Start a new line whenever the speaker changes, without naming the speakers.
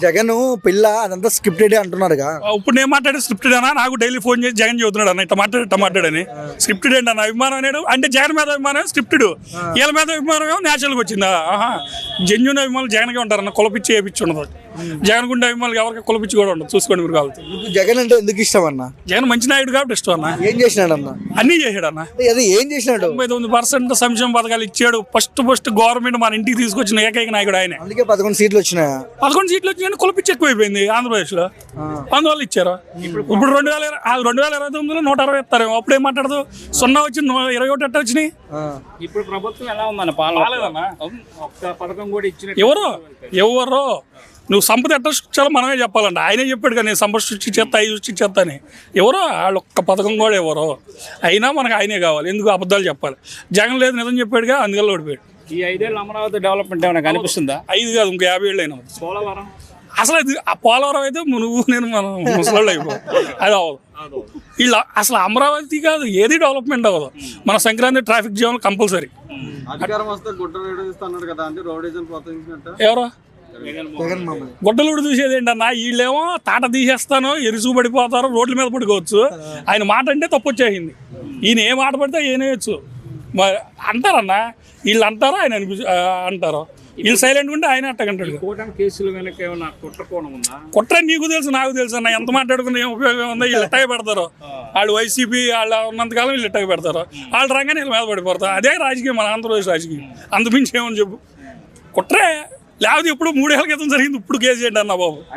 జగన్ పిల్ల అదంతా స్క్రిప్టెడ్ అంటున్నారుగా.
ఇప్పుడు నేను మాట్లాడే స్క్రిప్టెడ్ అన్నా, నాకు డైలీ ఫోన్ చేసి జగన్ చెబుతున్నాడు అన్న ఇట్లా మాట్లాడని. స్క్రిప్టెడ్ ఏంటి అన్న, అభిమానం అనేది అంటే జగన్ మీద అభిమానం స్క్రిప్టెడ్, వీళ్ళ మీద అభిమానం ఏమో న్యాచురల్గా వచ్చిందా. జెన్యున్ అభిమానులు జగన్గా ఉంటారన్న, కులపిచ్చి వేపించి ఉండదు. జగన్ గుండె అభిమానులు ఎవరికి కులపిచ్చి కూడా ఉండదు, చూసుకోండి మీరు కావాలి.
జగన్ అంటే ఎందుకు ఇష్టం అన్న?
జగన్ మంచి నాయుడు కాబట్టి ఇష్టం అన్న.
ఏం చేసినాడు అన్న?
అన్నీ చేశాడు అన్న.
అది ఏం చేసినాడు?
99% సంక్షేమ పథకాలు ఇచ్చాడు. ఫస్ట్ గవర్నమెంట్ మన ఇంటికి తీసుకొచ్చిన ఏకైక నాయకుడు ఆయన.
అందుకే 11 సీట్లు వచ్చినాయా?
11 సీట్లు వచ్చినాయని కులపిచ్చి ఎక్కువైపోయింది ఆంధ్రప్రదేశ్లో, అందువల్ల ఇచ్చారు. ఇప్పుడు 2029లో 160 ఇస్తారు. అప్పుడు ఏం మాట్లాడదు, 0 వచ్చి 21 ఎట్ట వచ్చినాయి.
ఇప్పుడు ప్రభుత్వం ఎలా ఉందన్న పాలన? ఒక్క పథకం కూడా ఇచ్చిన
ఎవరో నువ్వు సంపద ఎట్ట సృష్టించాలో మనమే చెప్పాలంట. ఆయనే చెప్పాడు కదా, నేను సంపద సృష్టించేస్తా అవి సృష్టించేస్తా అని. ఎవరో వాళ్ళు ఒక్క పథకం కూడా ఎవరో, అయినా మనకు ఆయనే కావాలి. ఎందుకు అబద్ధాలు చెప్పాలి? జగన్ లేదు నిజం చెప్పాడుగా, అందుకల్ల ఓడిపోయాడు.
ఈ 5 ఏళ్ళు అమరావతి డెవలప్మెంట్ ఏమైనా కనిపిస్తుందా?
5 కాదు, ఇంకో 50 ఏళ్ళు అయినా.
పోలవరం
అసలు అది ఆ పోలవరం అయితే నువ్వు నేను మనం ముసలాళ్ళు అయిపో, అది అవ్వదు. వీళ్ళు అసలు అమరావతి కాదు, ఏది డెవలప్మెంట్ అవ్వదు. మన సంక్రాంతి ట్రాఫిక్ జామ్ కంపల్సరీ.
అధికారం వస్తే గుడ్డలు విడదీస్తున్నాడు కదా, అంటే రోడ్డు ప్రోత్సహించినట్టు.
ఎవరో గుడ్డలు చూసేది ఏంటన్నా, వీళ్ళేమో తాట తీసేస్తాను ఎరుసు పడిపోతారు, రోడ్ల మీద పడుకోవచ్చు. ఆయన మాట అంటే తప్పు వచ్చేసింది. ఈయన ఏ మాట పడితే ఏనేయచ్చు అంటారన్నా, వీళ్ళు అంటారో ఆయన అంటారో. వీళ్ళు సైలెంట్ ఉంటే ఆయన అట్టగంటాడు.
కేసులు వెనక ఏమన్నా
కుట్ర నీకు తెలుసు నాకు తెలుసు అన్న, ఎంత మాట్లాడుకున్నా ఏం ఉపయోగం ఉందో. వీళ్ళు ఎట్టగా పెడతారు, వాళ్ళు వైసీపీ వాళ్ళు ఉన్నంతకాలం వీళ్ళు ఎట్టగా పెడతారు. వాళ్ళు రంగానే వీళ్ళ మీద పడిపోతారు. అదే రాజకీయం, మన ఆంధ్రప్రదేశ్ రాజకీయం. అంతమించి ఏమని చెప్పు, కుట్రే లేకపోతే ఇప్పుడు 3 ఏళ్ల క్రితం జరిగింది, ఇప్పుడు కేసు ఏంటి అన్న బాబు.